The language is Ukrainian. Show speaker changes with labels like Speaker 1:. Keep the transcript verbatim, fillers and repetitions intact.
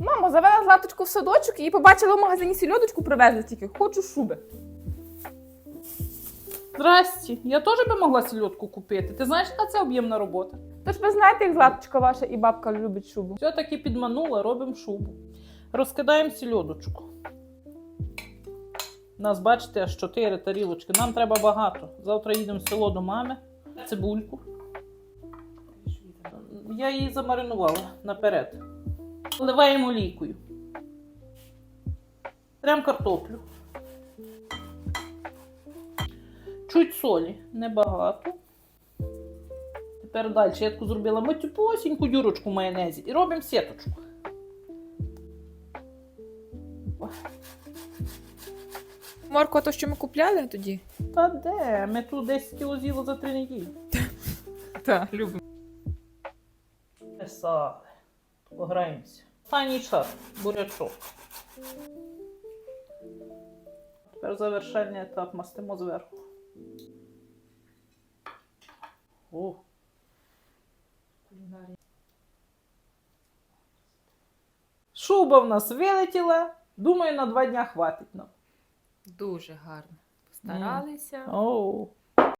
Speaker 1: Мамо, завела Златочку в садочок і побачила в магазині сільодочку, привезли тільки. Хочу шуби.
Speaker 2: Здрасті, я теж би могла сільотку купити. Ти знаєш, яка це об'ємна робота?
Speaker 1: Тож ви знаєте, як Златочка ваша і бабка любить шубу.
Speaker 2: Все-таки підманула, робимо шубу. Розкидаємо сільодочку. У нас, бачите, аж чотири тарілочки. Нам треба багато. Завтра їдемо в село до мами. Цибульку. Я її замаринувала наперед. Вливаємо олійкою. Трем картоплю. Чуть солі, небагато. Тепер далі я таку зробила матюпосіньку дюрочку в майонезі і робимо сіточку.
Speaker 1: Морква, то, що ми купляли тоді?
Speaker 2: Та де? Ми тут десять кіло з'їли за три неділі.
Speaker 1: Так, любимо.
Speaker 2: Писали. Пограємося. Останній шар. Бурячок. Тепер завершальний етап мастимо зверху. О. Шуба в нас вилетіла. Думаю, на два дня хватить нам.
Speaker 1: Дуже гарно. Постаралися.
Speaker 2: Оу.